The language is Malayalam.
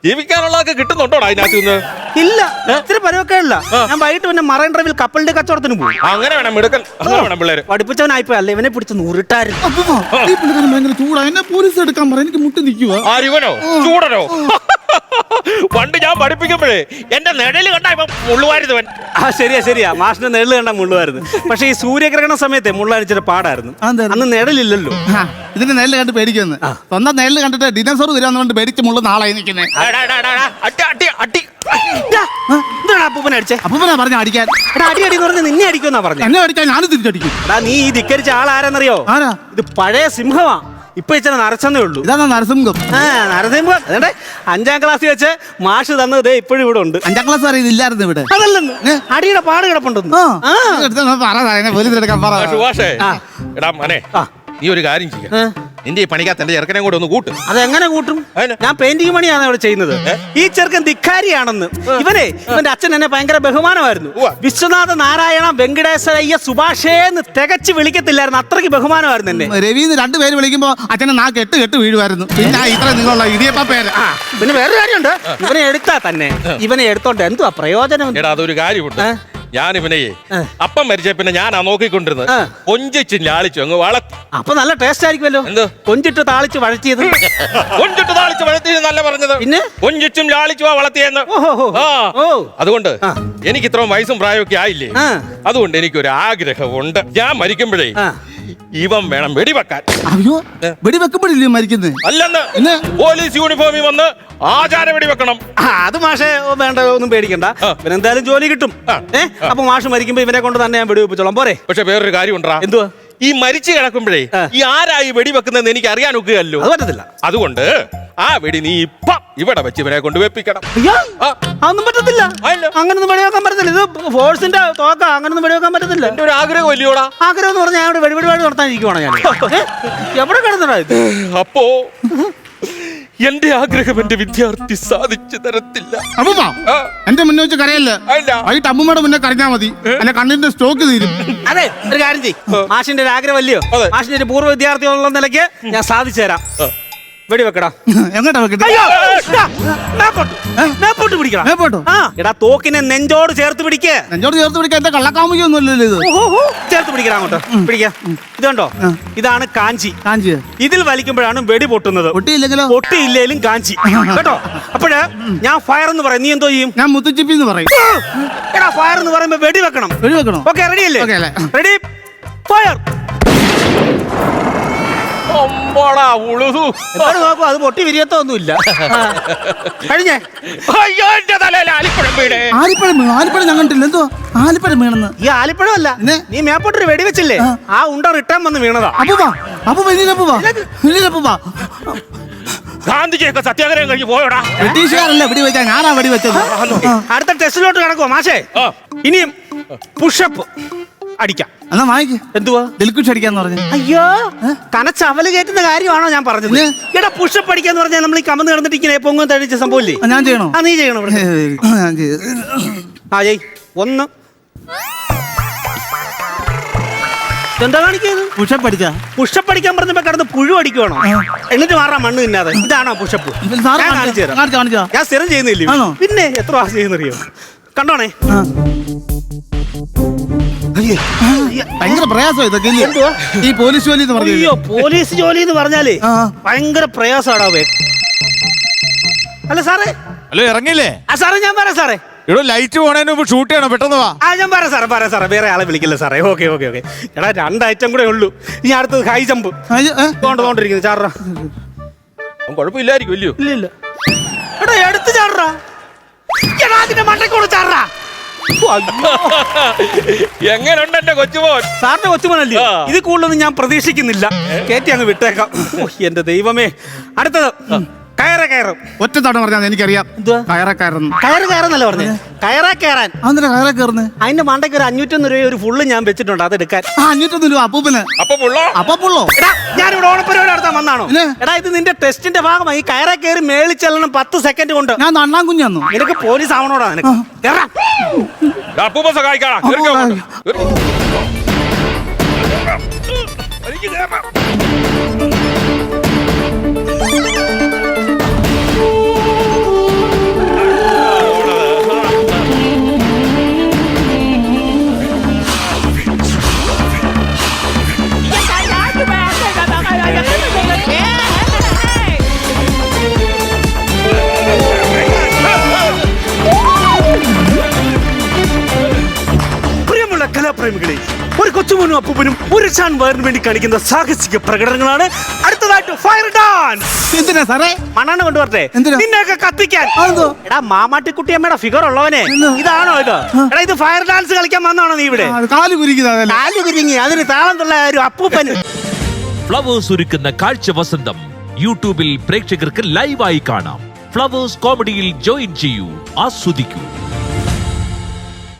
ജീവിക്കാനുള്ളതൊക്കെ കിട്ടുന്നുണ്ടോടാ അതിനകത്ത് നിന്ന്? ഇല്ല, ഇത്തിരി പരുവൊക്കെ ഇല്ല. ഞാൻ വൈകിട്ട് പിന്നെ മറൈൻ ഡ്രൈവിൽ കപ്പലിന്റെ കച്ചവടത്തിന് പോകും. അങ്ങനെ വേണം മിടുക്കൻ, അങ്ങനെ വേണം പിള്ളേര്. പഠിപ്പിച്ചവനായിപ്പോ അല്ല, ഇവനെ പിടിച്ച് നൂറിട്ടായിരുന്നു. ഭയങ്കര ചൂടാ, എന്നെ പോലീസ് എടുക്കാൻ പറ, എനിക്ക് മുട്ടി നിൽക്കുക. ആരിവനോ ചൂടനോ? പണ്ട് ഞാൻ പഠിപ്പിക്കുമ്പോഴേ എന്റെ നിഴല് കണ്ടാ ഇപ്പൊ മുള്ളുവാരുന്നവൻ. ശരിയാ, മാഷിന്റെ നെല്ല് കണ്ടാ മുള്ളുവായിരുന്നു. പക്ഷെ ഈ സൂര്യഗ്രഹണ സമയത്തെ മുള്ളടിച്ചിട്ട് പാടായിരുന്നു. അന്ന് നിഴലില്ലല്ലോ. ഇതിന്റെ നെല്ല് കണ്ട് പേടിക്കുന്നു. സ്വന്തം നെല്ല് കണ്ടിട്ട് ഡിനോസർ വരാന്ന് പറഞ്ഞിട്ട് പേടിച്ച് മുള്ള നാളായി നിൽക്കുന്നത്. അപ്പൂപ്പനെ അടിച്ചേ? അപ്പൂപ്പനാ പറഞ്ഞ അടിക്കാൻ. അടി എന്ന് പറഞ്ഞ നിന്നെ അടിക്കുമെന്നാ പറഞ്ഞു. എന്നെ അടിക്കാൻ ഞാനും തിരിച്ചടിക്കും. നീ ഈ ധിക്കരിച്ച ആളാരെന്നറിയോ? ആരാ? ഇത് പഴയ സിംഹമാ. ഇപ്പൊ ഇച്ചിരി നരച്ചെന്നേ ഉള്ളൂ. ഇതാ നരസിംഹം. നരസിംഹം അതേ 5ാം ക്ലാസ്സിൽ വെച്ച് മാഷ് തന്നത് ഇപ്പോഴും ഇവിടെ ഉണ്ട്. 5ാം ക്ലാസ് വരെ ഇതില്ലായിരുന്നു ഇവിടെ. അതല്ലെന്ന് അടിയുടെ പാട് കിടപ്പുണ്ടെന്ന്. പോലീസ് എടുക്കാൻ പറ. സുഭാഷേ, എടാ മനെ, നീ ഒരു കാര്യം ചെയ്യാം. നിന്റെ ഈ പണിക്കകത്ത് എന്റെ ചെറുക്കനെ കൂടെ ഒന്ന് കൂട്ടും. അതെങ്ങനെ കൂട്ടും? ഞാൻ പെയിന്റിംഗ് പണിയാണ് ഇവിടെ ചെയ്യുന്നത്. ഈ ചെറുക്കൻ ധിക്കാരിയാണെന്ന്. ഇവന്റെ അച്ഛൻ എന്നെ ഭയങ്കര ബഹുമാനമായിരുന്നു. വിശ്വനാഥ നാരായണ വെങ്കടേശ്വരയ്യ സുഭാഷേന്ന് തികച്ച് വിളിക്കത്തില്ലായിരുന്നു. അത്രയ്ക്ക് ബഹുമാനമായിരുന്നു എന്നെ. രവീന്ന് 2 പേര് വിളിക്കുമ്പോ അച്ഛനെ നാ കെട്ട് വീഴുമായിരുന്നു. പിന്നെ ഇത്ര നിങ്ങളുള്ള ഇടിയപ്പ പേര്. പിന്നെ വേറൊരു കാര്യമുണ്ട്, ഇവനെ എടുത്താ തന്നെ ഇവനെ എടുത്തോണ്ട് എന്തുവാ പ്രയോജനം? എടാ അതൊരു കാര്യമുണ്ട്. ഞാൻ ഇവനെ അപ്പം മരിച്ച പിന്നെ ഞാനാ നോക്കിക്കൊണ്ടിരുന്നത്. കൊഞ്ചിച്ചും ലാളിച്ചു അങ്ങ് വളർത്തി. അപ്പൊ നല്ല ടേസ്റ്റ് ആയിരിക്കുമല്ലോ. എന്ത് കൊഞ്ചിട്ട് താളിച്ച് വഴറ്റിയത്? കൊഞ്ചിട്ട് താളിച്ച് വഴറ്റിയത് നല്ല പറഞ്ഞത്. പിന്നെ കൊഞ്ചിച്ചും ലാളിച്ചു വളർത്തിയെന്ന്. അതുകൊണ്ട് എനിക്ക് ഇത്രയും വയസ്സും പ്രായമൊക്കെ ആയില്ലേ, അതുകൊണ്ട് എനിക്കൊരു ആഗ്രഹമുണ്ട്. ഞാൻ മരിക്കുമ്പോഴേ ഇവൻ വേണം വെടിവെക്കാൻ. അയ്യോ, വെടിവെക്കുമ്പോഴില്ലേ മരിക്കുന്നത്? അല്ലെന്ന് പോലീസ് യൂണിഫോമിൽ വന്ന് ആചാര വെടിവെക്കണം. അത് മാഷെ വേണ്ട, ഒന്നും പേടിക്കണ്ട. ഇവനെന്തായാലും ജോലി കിട്ടും. അപ്പൊ മാഷ് മരിക്കുമ്പോ ഇവനെ കൊണ്ട് തന്നെ ഞാൻ വെടിവെപ്പിച്ചോളാം. പോരെ? പക്ഷെ വേറൊരു കാര്യം ഉണ്ടാ. എന്തുവാ? ഈ മരിച്ചു കിടക്കുമ്പോഴേ ഈ ആരായി വെടിവെക്കുന്നതെന്ന് എനിക്ക് അറിയാൻ ഒക്കുകയല്ലോ. അത് പറ്റത്തില്ല. അതുകൊണ്ട് ആ വെടി നീ ഇപ്പം ഇവിടെ വെച്ച് ഇവനെ കൊണ്ട് വെപ്പിക്കണം. അതൊന്നും പറ്റത്തില്ല. അങ്ങനൊന്നും വെടിവെക്കാൻ പറ്റത്തില്ല. ഇത് ഫോഴ്സിന്റെ തോക്ക, അങ്ങനൊന്നും വെടിവെക്കാൻ പറ്റത്തില്ല. എന്റെ ഒരു ആഗ്രഹം ഇല്ലയോടാ? ആഗ്രഹം എന്ന് പറഞ്ഞാൽ ഞാൻ വെടിവെടി നടത്താനിരിക്കുവാണ് ഞാൻ. എവിടെ കിടന്നടാ ഇത്? അപ്പോ എന്റെ ആഗ്രഹം എന്റെ വിദ്യാർത്ഥി സാധിച്ചു തരത്തില്ല. അമ്മൂമ്മ എന്റെ മുന്നേ വെച്ച് കരയല്ലേ? വൈകിട്ട് അമ്മൂമ്മയുടെ മുന്നേ കരഞ്ഞാൽ മതി, എന്റെ കണ്ണിന്റെ സ്റ്റോക്ക് തീരും. അതെ, ഒരു കാര്യം ചെയ്യും. മാഷിന്റെ ഒരു ആഗ്രഹമല്ലയോ? മാഷിന്റെ ഒരു പൂർവ്വ വിദ്യാർത്ഥി എന്നുള്ള നിലയ്ക്ക് ഞാൻ സാധിച്ചു തരാം. വെടിവെക്കടാ. എങ്ങോട്ടാ വെക്കട്ടെ? എടാ തോക്കിനെ നെഞ്ചോട് ചേർത്ത് പിടിക്കേ. നെഞ്ചോട് ചേർത്ത് പിടിക്കാൻ എന്റെ കള്ളക്കാമുകയൊന്നും ഇല്ലല്ലോ ഇത്. ചേർത്ത് പിടിക്കണം, അങ്ങോട്ട് പിടിക്കാം. ഇതുണ്ടോ? ഇതാണ് കാഞ്ചി. ഇതിൽ വലിക്കുമ്പോഴാണ് വെടി പൊട്ടുന്നത്. പൊട്ടിയില്ലേലും കാഞ്ചി കേട്ടോ. അപ്പോഴ് ഞാൻ ഫയർ എന്ന് പറയും, നീ എന്തോ ചെയ്യും? ഞാൻ മുത്തുച്ചിപ്പി എന്ന് പറയും. എടാ ഫയർ എന്ന് പറയുമ്പോ വെടി വെക്കണം. ഓക്കെ, റെഡി അല്ലേ? Ready, fire. നോക്കൂ, അത് പൊട്ടി വിരിയത്തൊന്നുമില്ല. കഴിഞ്ഞേ. ആലിപ്പഴം ഞാൻ കണ്ടില്ല. എന്തോ ആലിപ്പഴം വീണെന്ന്? ഈ ആലിപ്പഴം അല്ല, നീ മേപ്പോട്ടൊരു വെടി വെച്ചില്ലേ, ആ ഉണ്ട റിട്ടേൺ വന്ന് വീണതാ. ഗാന്ധിജിയൊക്കെ സത്യാഗ്രഹം കഴിഞ്ഞ് പോയോടാ. ബ്രിട്ടീഷുകാരല്ല വെടി വെച്ചാ, ഞാനാ വെടി വെച്ചത്. അടുത്ത ടെസ്റ്റിലോട്ട് കിടക്കുവോ മാഷേ? ഇനിയും പുഷപ്പ് അടിക്കാം. എന്നാ വായിക്ക്. എന്തുവാ? ദിൽക്കുഷ് അടിക്കാന്ന് പറഞ്ഞു. അയ്യോ, കനച്ചവല് കയറ്റുന്ന കാര്യമാണോ ഞാൻ പറഞ്ഞത്? എടാ പുഷപ്പ് അടിക്കാന്ന് പറഞ്ഞാൽ നമ്മൾ ഈ കമന്ന് കിടന്നിട്ട് ഇങ്ങനെ പൊങ്ങും തഴിച്ച സംഭവമില്ലേ? ഞാൻ ചെയ്യണോ? നീ ചെയ്യണം. ഒന്ന് എന്താ കാണിക്കുന്നത്? പുഷപ്പ് അടിച്ചാ? പുഷപ്പ് അടിക്കാൻ പറഞ്ഞപ്പോ കിടന്ന് പുഴു അടിക്കുവാണോ? എന്നിട്ട് മാറാൻ മണ്ണ് തിന്നാതെ. ഇതാണോ പുഷപ്പ്? ഞാൻ സ്ഥിരം ചെയ്യുന്നില്ലേ? പിന്നെ എത്ര പ്രാവശ്യം ചെയ്യുന്നറിയോ? കണ്ടോണേ. ഭയങ്കര പ്രയാസം ഇതൊക്കെ. ഈ പോലീസ് ജോലി എന്ന് പറഞ്ഞു. അയ്യോ, പോലീസ് ജോലി എന്ന് പറഞ്ഞാലേ ഭയങ്കര പ്രയാസമാടാവേ. അല്ല സാറേ. ഹലോ, ഇറങ്ങില്ലേ? സാറേ ഞാൻ പറയാം സാറേ. ഇവിടെ ലൈറ്റ് പോണതിന് മുമ്പ് ഷൂട്ട് ചെയ്യണം, പെട്ടെന്ന് വാ. ഞാൻ പറയാം സാറേ, വേറെ ആളെ വിളിക്കില്ല സാറേ. ഓക്കെ. എടാ 2 ഐറ്റം കൂടെ ഉള്ളൂ. ഇനി അടുത്തത് ഹൈ ജമ്പ്. തോണ്ടിരിക്കുന്നു ചാടാ. കുഴപ്പമില്ലായിരിക്കും. ഇല്ല എടാ എടുത്ത് ചാടാ. എടാ അതിന്റെ മണ്ടക്കോട് ചാടാ. എങ്ങനെയുണ്ട് എന്റെ കൊച്ചുമോൻ? സാറിന്റെ കൊച്ചുമോനല്ലേ? ഇത് കൂടുതലൊന്നും ഞാൻ പ്രതീക്ഷിക്കുന്നില്ല. കേറ്റി അങ്ങ് വിട്ടേക്കാം. എന്റെ ദൈവമേ. അടുത്തത് കയറും. ഒറ്റ തവണ പറഞ്ഞാൽ എനിക്കറിയാം. കയറുന്നല്ലേ പറഞ്ഞേ? കയറാൻ അതിന്റെ മണ്ടയ്ക്ക് ഒരു 501 രൂപ ഒരു ഫുള്ള് ഞാൻ വെച്ചിട്ടുണ്ട്, അതെടുക്കാൻ. 501 രൂപ അപ്പൂപ്പന്. അപ്പുള്ളോ? ഞാനിവിടെ ഓണപ്പരിപാടി നടത്താൻ വന്നാണോ? എടാ ഇത് നിന്റെ ടെസ്റ്റിന്റെ ഭാഗമായി. കയറാ കയറി മേളിൽ ചെല്ലണം 10 സെക്കൻഡ് കൊണ്ട്. ഞാൻ നണ്ണാൻ കുഞ്ഞാന്നു. നിനക്ക് പോലീസ് ആവണോടാ നിനക്ക്? പ്രേമികളെ, ഒരു കൊച്ചുമോനും അപ്പൂപ്പനും ഒരു ചാൻ വയറിന് വേണ്ടി കാണിക്കുന്ന സാഹസിക പ്രകടനങ്ങളാണ് അടുത്തതായിട്ട് ഫയർ ഡാൻസ്. എന്തിനാ സാറേ? മണ്ണെണ്ണ കൊണ്ടുവരട്ടെ എന്തിനാ? നിന്നെയൊക്കെ കത്തിക്കാൻ. അതെന്തോ? എടാ മാമാട്ടിക്കുട്ടിയമ്മയുടെ ഫിഗർ ഉള്ളവനെ ഇതാണോ ഇത്? എടാ ഇത് ഫയർ ഡാൻസ് കളിക്കാൻ വന്നാണോ നീ ഇവിടെ? കാല് കുരിക്കുന്നതല്ലേ? കാല് കുരുങ്ങി അതിന് താളം തുള്ള ഒരു അപ്പൂപ്പന്. ഫ്ലവേഴ്സ് ഒരുക്കുന്ന കാഴ്ച വസന്തം യൂട്യൂബിൽ പ്രേക്ഷകർക്ക് ലൈവായി കാണാം. ഫ്ലവേഴ്സ് കോമഡിയിൽ ജോയിൻ ചെയ്യൂ, ആസ്വദിക്കൂ.